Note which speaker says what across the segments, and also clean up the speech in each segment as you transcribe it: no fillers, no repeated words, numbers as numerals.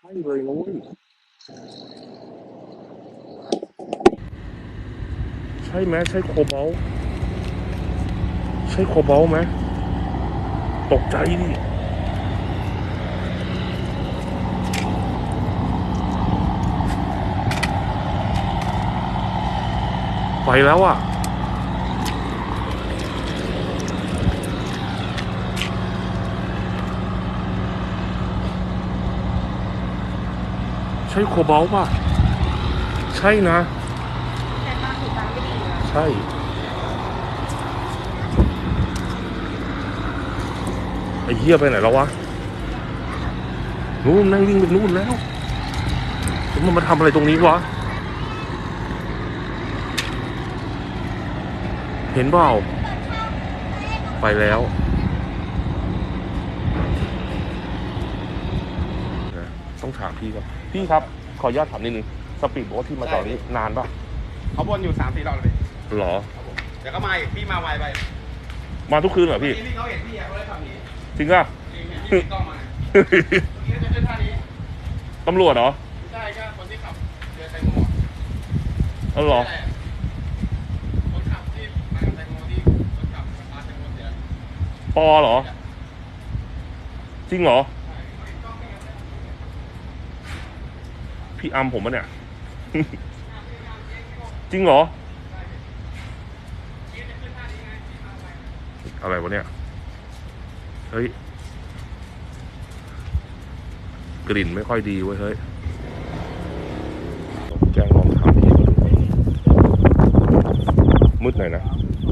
Speaker 1: ช่เลยนุ้ยใช่ไหมใช่โคบอลต์ใช่โคบอลต์ไหมตกใจดิไปแล้วอ่ะใช่โคบอลต์ป่ะใช่นะ
Speaker 2: แต่ตาสีตาไม่ดีนะ
Speaker 1: ใช่ไอ้เหี้ยไปไหนแล้ววะนู่นนั่งวิ่งไปนู่นแล้วมันมาทำอะไรตรงนี้วะเห็นเปล่าไปแล้วต้องถามพี่ครับพี่ครับขออนุญาตถามนิดนึงสปีดโบ๊ทที่มาจอดนี้นานป่ะ
Speaker 3: เขาวนอยู่3-4 รอบเลย
Speaker 1: หรอ
Speaker 3: เดี๋ยวก็มาอีกพี่มาไวไป
Speaker 1: มาทุกคืนเหรอพี่
Speaker 3: พี่เขาเห็นพี่เขาเลยขับหนี
Speaker 1: จริงป่ะ
Speaker 3: จริงเห็นพี่ติดกล้องมาเมื่อกี้จะขึ้นท่านี้
Speaker 1: ตำรวจเหรอ
Speaker 3: ใช่ก็คนที่ขับเรือแตงโม
Speaker 1: เหรอ
Speaker 3: คนขับที่มาแตงโมที่คนขับมาแตงโมเสีย
Speaker 1: ปอเหรอจริงเหรอพี่อัมผมปะเนี่ย จริงเหรออะไรวะเนี่ยเฮ้ยกลิ่นไม่ค่อยดีเว้ยเฮ้ยแจ้งลองถามพี่มาดูมืดหน่อยนะ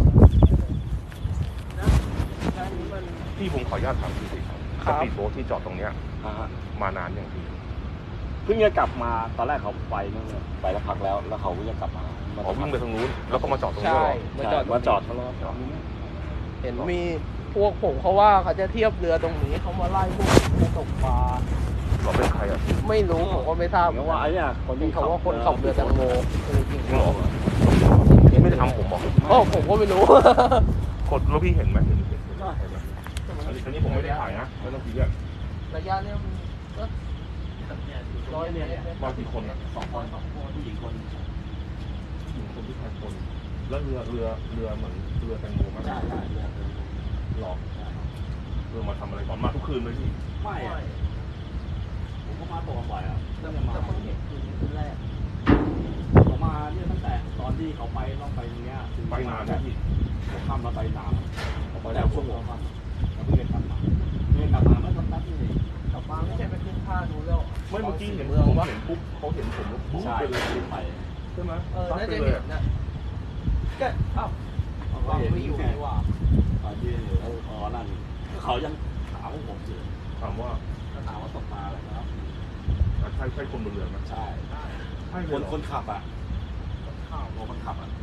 Speaker 1: พี่ผมขออนุญาตถามพี่สิสปีดโบ๊ทที่จอดตรงเนี้ยมานานยังพี่
Speaker 4: เพิ่งจะกลับมาตอนแรกเขาไปนั่นเลยไปแล้วพักแล้วเขาก็ยังกลับมา
Speaker 1: อ๋อวิ่งไปทางนู้นแล้วก็มาจอดตรงนี้เหรอ
Speaker 4: มาจอดเขาแล้ว
Speaker 2: เห็นมีพวกผมเขาว่าเขาจะเทียบเรือตรงนี้เขามาไล่พวกไปตกปลา
Speaker 1: เราเป็นใครอ่ะ
Speaker 2: ไม่รู้ผมก็ไม่ทราบ
Speaker 4: เพราะว่าไอ้เนี่ยคนที่
Speaker 2: เขาว่าคนขับเรือแตงโม
Speaker 1: จริงเหรอไม่ได้ทำผมบอก
Speaker 2: ผมก็ไม่รู้
Speaker 1: กดแล้วพี่เห็นไหมเห็นไหมอันนี้ผมไม่ได้ถ่ายนะไม่ต้องคิด
Speaker 2: ระยะเนี้ยมันก็100 เมตร
Speaker 1: มากี่คนอ่ะ
Speaker 4: 2 คนผู้หญิงคน
Speaker 1: ผู้ชายคนแล้วเรือเหมือนเรือแตงโมมั้ย
Speaker 4: ใช่
Speaker 1: หรอเรือมาทำอะไรก่อนมาทุกคืนเลยพี่
Speaker 4: ไม่ผมก็มาตกบ่อยอ่ะ
Speaker 2: แต่เพิ่งเห็นคืนแรก
Speaker 4: ผมมาเนี่ยตั้งแต่ตอนที่เขาไปต้องไปเนี้ย
Speaker 1: ไปนานนะพี่
Speaker 4: ผมข้ามมาไปนานผมไปแล้วชั่วโมงครับแล้วเพิ่งกลับมาเมื่อสักพักนึง
Speaker 2: กลับมาไม่ใช่ไปขึ้นท่าดูแล้ว
Speaker 1: ไม่เมื่อกี้เห็นผมเห็นปุ๊บเขาเห็นผมปุ๊บไปเลย
Speaker 4: ไป
Speaker 1: ใช่ไหม
Speaker 2: น่าจะเห็นนะก็
Speaker 4: เขาเห็นไม่อยู่นี่ว่าตอนที่นั่นเขายังถามผมอยู่
Speaker 1: ถามว่า
Speaker 4: ตกปลาอะไรครับ
Speaker 1: ใช่คนบนเรือไหม
Speaker 4: ใช่คนขับอ่ะคนขับอ่ะ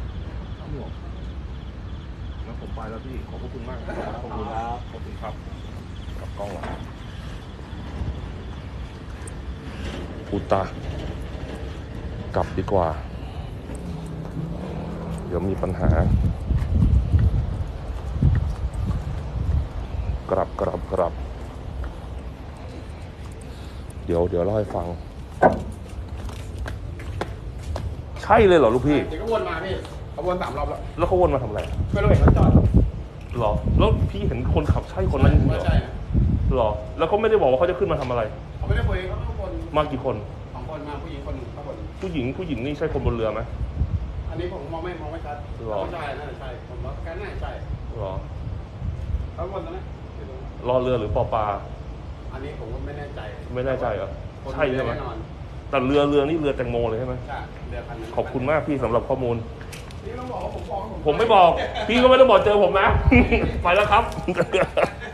Speaker 1: งั้นผมไปแล้วพี่ขอบคุณมากขอบคุณครับขอบคุณครับกับกล้องหลังพูตากลับดีกว่าเดี๋ยวมีปัญหากลับเดี๋ยวเล่าให้ฟังใช่เลยเหรอลูกพี่
Speaker 3: เดี๋ยวก็วนมาพี่เขาวน3 รอบ
Speaker 1: แล้วเขาวนมาทำอะไร
Speaker 3: ไม่รู้เห็นเขาจอด
Speaker 1: หรอแล้วพี่เห็นคนขับใช่คนนั้นจริงเหรอ
Speaker 3: ใช่
Speaker 1: หรอแล้วเขาไม่ได้บอกว่าเขาจะขึ้นมาทำอะไร
Speaker 3: เขาไม่ได้คุยเขาวน
Speaker 1: มากี่คน
Speaker 3: 2 คนมาผู้หญิงคนหนึ่งข้างบน
Speaker 1: ผู้หญิงนี่ใช่คนบนเรือไหม
Speaker 3: อันนี้ผมมองไม่ชัดใช่น่าจะใช่ผมว่าแค่น่าจะใช่
Speaker 1: หรอ
Speaker 3: เขาวนตรงนั้น
Speaker 1: รอเรือหรือปอปลา
Speaker 3: อันนี้ผมก็ไม่แน่ใจ
Speaker 1: เหรอใช่ไหมแต่เรือนี่เรือแตงโมเลยใช่ไหม
Speaker 3: ใช่เรือคันนั้น
Speaker 1: ขอบคุณมากพี่สำหรับข้อมูล
Speaker 3: นี่ต้องบอกว่าผม
Speaker 1: ไม่บอกพี่ก็ไม่ต้องบอกเจอผมนะ ไปแล้วครับ